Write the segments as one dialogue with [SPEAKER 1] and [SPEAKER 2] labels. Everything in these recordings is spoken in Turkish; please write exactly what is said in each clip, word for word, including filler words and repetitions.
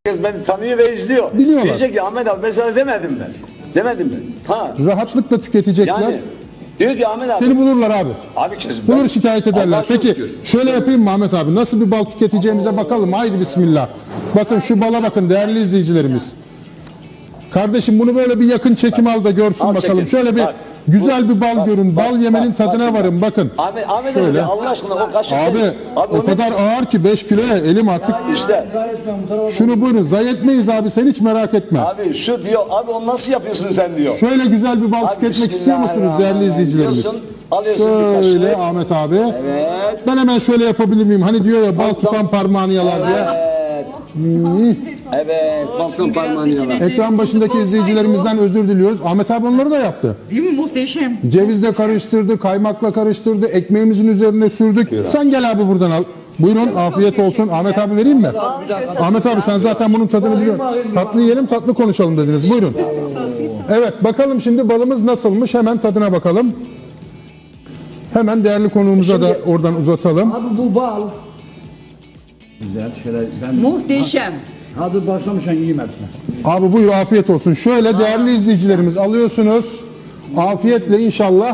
[SPEAKER 1] Herkes beni tanıyor ve izliyor.
[SPEAKER 2] Biliyorlar.
[SPEAKER 1] Diyecek ki Ahmet abi mesela demedim ben. Demedim mi? Ha.
[SPEAKER 2] Rahatlıkla tüketecekler.
[SPEAKER 1] Yani diyor ki Ahmet abi.
[SPEAKER 2] Seni bulurlar abi.
[SPEAKER 1] Abi kesin.
[SPEAKER 2] Bulur
[SPEAKER 1] ben-
[SPEAKER 2] şikayet ederler.
[SPEAKER 1] Allah
[SPEAKER 2] Peki
[SPEAKER 1] şükür.
[SPEAKER 2] şöyle yapayım mı Ahmet abi? Nasıl bir bal tüketeceğimize bakalım. Haydi bismillah. Bakın şu bala bakın değerli izleyicilerimiz. Kardeşim bunu böyle bir yakın çekim al da görsün
[SPEAKER 1] Al
[SPEAKER 2] bakalım.
[SPEAKER 1] çekin.
[SPEAKER 2] Şöyle bir
[SPEAKER 1] Bak,
[SPEAKER 2] güzel
[SPEAKER 1] bu-
[SPEAKER 2] bir bal
[SPEAKER 1] bak,
[SPEAKER 2] görün.
[SPEAKER 1] bak,
[SPEAKER 2] Bal yemenin
[SPEAKER 1] bak,
[SPEAKER 2] tadına
[SPEAKER 1] bak şimdi.
[SPEAKER 2] varın bakın.
[SPEAKER 1] Ahmet, Ahmet
[SPEAKER 2] Şöyle.
[SPEAKER 1] abi Allah aşkına o kaşık.
[SPEAKER 2] Abi,
[SPEAKER 1] abi
[SPEAKER 2] o
[SPEAKER 1] onu-
[SPEAKER 2] kadar ağır ki beş kiloya elim artık.
[SPEAKER 1] işte.
[SPEAKER 2] Şunu buyurun zayi etmeyiz abi sen hiç merak etme.
[SPEAKER 1] Abi şu diyor abi onu nasıl yapıyorsun sen diyor.
[SPEAKER 2] Şöyle güzel bir bal
[SPEAKER 1] Abi,
[SPEAKER 2] tüketmek istiyor musunuz değerli izleyicilerimiz?
[SPEAKER 1] diyorsun, alıyorsun bir
[SPEAKER 2] Şöyle
[SPEAKER 1] kaşığı.
[SPEAKER 2] Ahmet abi.
[SPEAKER 1] Evet.
[SPEAKER 2] Ben hemen şöyle yapabilir miyim? Hani diyor ya bal tutan parmağını yalar diye.
[SPEAKER 1] Evet. Evet. Balkan parmağını yalar.
[SPEAKER 2] Ekran başındaki izleyicilerimizden özür diliyoruz. Ahmet abi onları da yaptı.
[SPEAKER 3] Değil mi? Muhteşem.
[SPEAKER 2] Cevizle karıştırdı, kaymakla karıştırdı, ekmeğimizin üzerine sürdük. Sen gel abi buradan al. Buyurun afiyet olsun. Ahmet abi vereyim mi? Ahmet abi sen zaten bunun tadını biliyorsun. Tatlı yiyelim tatlı konuşalım dediniz. Buyurun. Evet bakalım şimdi balımız nasılmış hemen tadına bakalım. Hemen değerli konuğumuza da oradan uzatalım.
[SPEAKER 4] Abi bu bal. Güzel şöyle ben
[SPEAKER 3] Muhteşem.
[SPEAKER 4] hazır başlamışken yiyeyim hepsini.
[SPEAKER 2] Abi buyur afiyet olsun. Şöyle değerli izleyicilerimiz alıyorsunuz. Afiyetle inşallah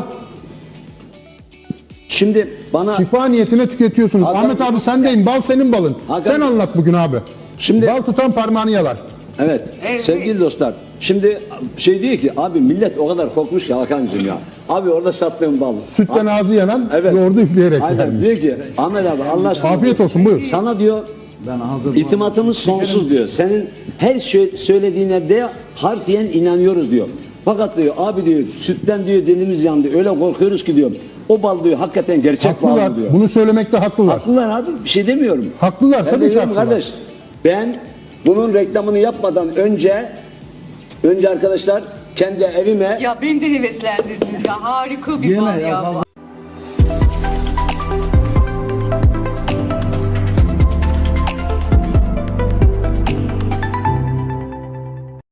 [SPEAKER 1] Şimdi bana
[SPEAKER 2] şifa niyetine tüketiyorsunuz.
[SPEAKER 1] Hakan-
[SPEAKER 2] Ahmet abi sendeyim. Bal senin balın.
[SPEAKER 1] Hakan-
[SPEAKER 2] Sen anlat bugün abi.
[SPEAKER 1] Şimdi-
[SPEAKER 2] Bal tutan parmağını yalar.
[SPEAKER 1] evet,
[SPEAKER 3] Evet.
[SPEAKER 1] sevgili dostlar. Şimdi şey diyor ki abi millet o kadar korkmuş ki Hakan'cığım ya. Abi orada sattığım bal.
[SPEAKER 2] Sütten ağzı yanan
[SPEAKER 1] Evet.
[SPEAKER 2] yoğurdu üfleyerek
[SPEAKER 1] Aynen
[SPEAKER 2] yermiş.
[SPEAKER 1] diyor ki Ahmet abi Allah aşkına.
[SPEAKER 2] Afiyet olsun buyur.
[SPEAKER 1] Sana diyor
[SPEAKER 4] Ben hazır.
[SPEAKER 1] İtimatımız sonsuz diyor. Senin her şey söylediğine de harfiyen inanıyoruz diyor. Fakat diyor abi diyor sütten diyor dilimiz yandı. Öyle korkuyoruz ki diyor. O bal diyor hakikaten gerçek bal
[SPEAKER 2] Haklılar.
[SPEAKER 1] mı diyor.
[SPEAKER 2] Bunu söylemekte haklılar.
[SPEAKER 1] Haklılar abi bir şey demiyorum.
[SPEAKER 2] Haklılar
[SPEAKER 1] Ben
[SPEAKER 2] tabii
[SPEAKER 1] de
[SPEAKER 2] ki
[SPEAKER 1] diyorum
[SPEAKER 2] haklılar.
[SPEAKER 1] kardeş ben bunun reklamını yapmadan önce önce arkadaşlar kendi evime
[SPEAKER 3] Ya beni de heveslendirdiniz ya. Harika bir
[SPEAKER 4] Yeme
[SPEAKER 3] bal
[SPEAKER 4] ya,
[SPEAKER 3] ya.
[SPEAKER 4] fazla